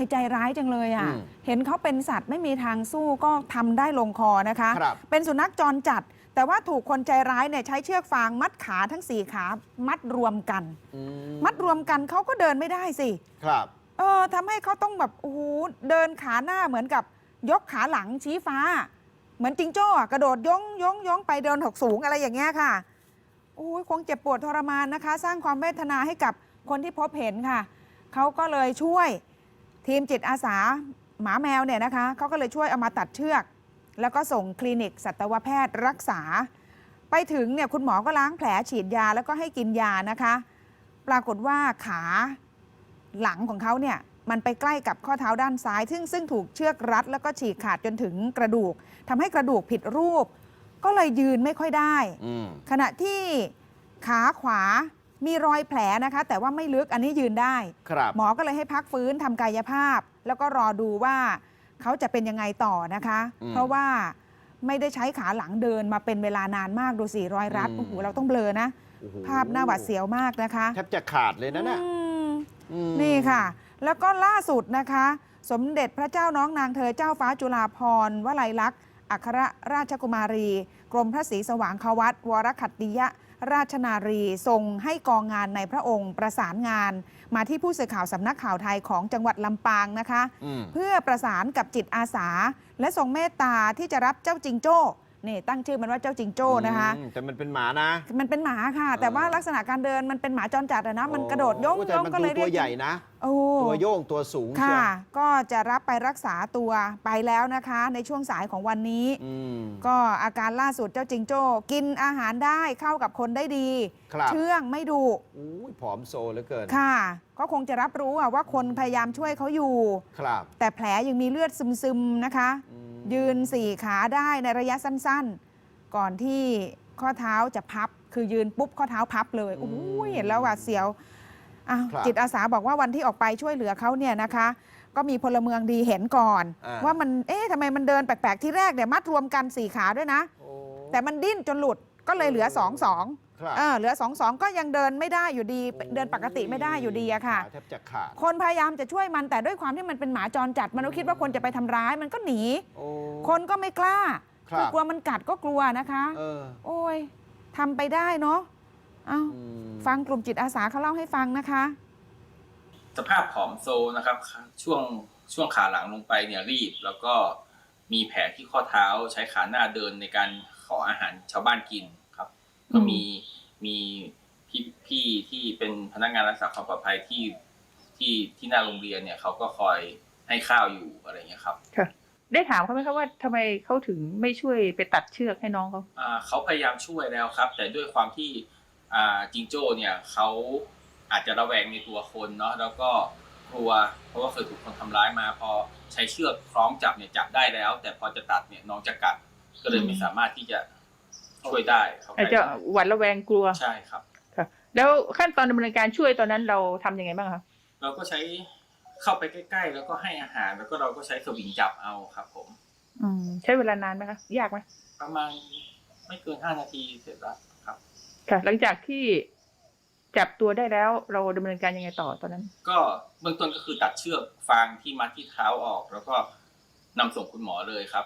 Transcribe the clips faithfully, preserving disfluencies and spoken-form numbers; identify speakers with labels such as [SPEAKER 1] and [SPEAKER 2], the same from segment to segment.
[SPEAKER 1] ายใจร้ายจังเลยอ่ะเห็นเขาเป็นสัตว์ไม่มีทางสู้ก็ทำได้ลงคอนะคะเป็นสุนัขจรจัดแต่ว่าถูกคนใจร้ายเนี่ยใช้เชือกฟางมัดขาทั้งสี่ขามัดรวมกันมัดรวมกันเขาก็เดินไม่ได้สิครับเออทำให้เขาต้องแบบโอ้โหเดินขาหน้าเหมือนกับยกขาหลังชี้ฟ้าเหมือนจิงโจ้กระโดดย่องย่องย่องไปเดินหกสูงอะไรอย่างเงี้ยค่ะโอ้ยคงเจ็บปวดทรมานนะคะสร้างความเวทนาให้กับคนที่พบเห็นค่ะเขาก็เลยช่วยทีมจิตอาสาหมาแมวเนี่ยนะคะเขาก็เลยช่วยเอามาตัดเชือกแล้วก็ส่งคลินิกสัตวแพทย์รักษาไปถึงเนี่ยคุณหมอก็ล้างแผลฉีดยาแล้วก็ให้กินยานะคะปรากฏว่าขาหลังของเขาเนี่ยมันไปใกล้กับข้อเท้าด้านซ้ายซึ่งซึ่งถูกเชือกรัดแล้วก็ฉีกขาดจนถึงกระดูกทำให้กระดูกผิดรูปก็เลยยืนไม่ค่อยได้ขณะที่ขาขวามีรอยแผลนะคะแต่ว่าไม่ลึกอันนี้ยืนได้หมอก็เลยให้พักฟื้นทำกายภาพแล้วก็รอดูว่าเขาจะเป็นยังไงต่อนะคะเพราะว่าไม่ได้ใช้ขาหลังเดินมาเป็นเวลานานมากดูสิรอยรัดโอ้โหเราต้องเบลอนะภาพหน้าหวาดเสียวมากนะคะ
[SPEAKER 2] แทบจะขาดเลยนะเนี่ย
[SPEAKER 1] นี่ค่ะแล้วก็ล่าสุดนะคะสมเด็จพระเจ้าน้องนางเธอเจ้าฟ้าจุฬาภรณ์วลัยลักษณ์อัครราชกุมารีกรมพระศรีสว่างควัตวรขัตติยราชนารีทรงให้กองงานในพระองค์ประสานงานมาที่ผู้สื่อข่าวสำนักข่าวไทยของจังหวัดลำปางนะคะเพื่อประสานกับจิตอาสาและทรงเมตตาที่จะรับเจ้าจิงโจ้นี่ตั้งชื่อมันว่าเจ้าจิงโจ้นะคะ
[SPEAKER 2] แต่มันเป็นหมานะ
[SPEAKER 1] มันเป็นหมาค่ะแต่ว่าลักษณะการเดินมันเป็นหมาจรจัดนะมันกระโดดย่องย่องก็เลย
[SPEAKER 2] ตัวใหญ่นะตัวโยงตัวสูง
[SPEAKER 1] ค่ะก็จะรับไปรักษาตัวไปแล้วนะคะในช่วงสายของวันนี้ก็อาการล่าสุดเจ้าจิงโจ้กินอาหารได้เข้ากับคนได้ดีเชื่องไม่ดุ
[SPEAKER 2] ผอมโซเหลือเกิน
[SPEAKER 1] ค่ะก็คงจะรับรู้ว่าคนพยายามช่วยเขาอยู่แต่แผลยังมีเลือดซึมๆนะคะยืนสี่ขาได้ในระยะสั้นๆก่อนที่ข้อเท้าจะพับคือยืนปุ๊บข้อเท้าพับเลยโอ้ยเห็นแล้วหวาดเสียวจิตอาสาบอกว่าวันที่ออกไปช่วยเหลือเขาเนี่ยนะคะก็มีพลเมืองดีเห็นก่อนว่ามันเอ๊ะทำไมมันเดินแปลกๆที่แรกเนี่ยมัดรวมกันสี่ขาด้วยนะแต่มันดิ้นจนหลุดก็เลยเหลือสองสองเออเหลือสองสองก็ยังเดินไม่ได้อยู่ดีเดินปกติไม่ได้อยู่ดีอะค่ะคนพยายามจะช่วยมันแต่ด้วยความที่มันเป็นหมาจรจัดมันก็คิดว่าคนจะไปทำร้ายมันก็หนีคนก็ไม่กล้ากลัวมันกัดก็กลัวนะคะโอ้ยทำไปได้เนาะเอาฟังกลุ่มจิตอาสาเขาเล่าให้ฟังนะคะ
[SPEAKER 3] สภาพผอมโซนะครับช่วงช่วงขาหลังลงไปเนี่ยรีบแล้วก็มีแผลที่ข้อเท้าใช้ขาหน้าเดินในการขออาหารชาวบ้านกินครับก็มีมีพี่พี่ที่เป็นพนักงานรักษาความปลอดภัยที่ที่ที่หน้าโรงเรียนเนี่ยเขาก็คอยให้ข้าวอยู่อะไรเงี้ยครับ
[SPEAKER 4] ค่ะได้ถามเขาไหมครับว่าทำไมเขาถึงไม่ช่วยไปตัดเชือกให้น้องเขา
[SPEAKER 3] อ่าเขาพยายามช่วยแล้วครับแต่ด้วยความที่อ่าจิงโจ้เนี่ยเขาอาจจะระแวงในตัวคนเนาะแล้วก็กลัวเพราะว่าเคยถูกคนทำร้ายมาพอใช้เชือกคล้องจับเนี่ยจับได้แล้วแต่พอจะตัดเนี่ยน้องจะกัดก็เลยไม่สามารถที่จะช่วยได้เขา
[SPEAKER 4] อาจจะหวาดระแวงกลัว
[SPEAKER 3] ใช่ครับ
[SPEAKER 4] ค่ะแล้วขั้นตอนดำเนินการช่วยตอนนั้นเราทำยังไงบ้างคะ
[SPEAKER 3] เราก็ใช้เข้าไปใกล้ๆแล้วก็ให้อาหารแล้วก็เราก็ใช้สวิงจับเอาครับผม
[SPEAKER 4] อืมใช้เวลานานไหมคะยากไหม
[SPEAKER 3] ประมาณไม่เกินห้านาทีเสร็จแล้วครับ
[SPEAKER 4] ค่ะหลังจากที่จับตัวได้แล้วเราดำเนินการยังไงต่อตอนนั้น
[SPEAKER 3] ก็เบื้องต้นก็คือตัดเชือกฟางที่มัดที่เท้าออกแล้วก็นำส่งคุณหมอเลยครับ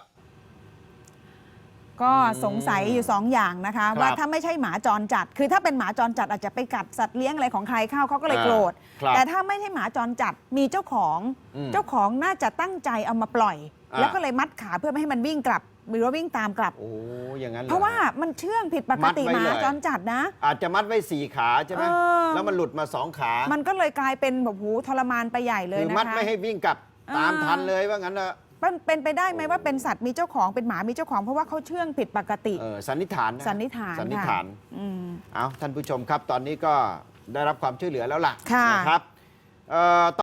[SPEAKER 1] ก็สงสัยอยู่สองอย่างนะคะว่าถ้าไม่ใช่หมาจรจัดคือถ้าเป็นหมาจรจัดอาจจะไปกัดสัตว์เลี้ยงอะไรของใครเข้าเขาก็เลยโกรธแต่ถ้าไม่ใช่หมาจรจัดมีเจ้าของเจ้าของน่าจะตั้งใจเอามาปล่อยแล้วก็เลยมัดขาเพื่อไม่ให้มันวิ่งกลับหรือว่าวิ่งตามกลับ
[SPEAKER 2] โอ้อย่างนั้น
[SPEAKER 1] เพราะว่ามันเชื่องผิดปกติหมาจรจัดนะ
[SPEAKER 2] อาจจะมัดไว้สี่ขาใช่ไหมแล้วมันหลุดมาสองขา
[SPEAKER 1] มันก็เลยกลายเป็นแบบหูทรมานไปใหญ่เลยนะคะ
[SPEAKER 2] คือมัดไม่ให้วิ่งกลับตามทันเลยว่างั้นนะ
[SPEAKER 1] เป็นไปได้ไหมว่าเป็นสัตว์มีเจ้าของเป็นหมามีเจ้าของเพราะว่าเขาเชื่องผิดปกติ
[SPEAKER 2] สันนิษฐาน
[SPEAKER 1] สันนิษฐาน
[SPEAKER 2] สันนิษฐานเอาท่านผู้ชมครับตอนนี้ก็ได้รับความช่วยเหลือแล้วล่ะนะครับ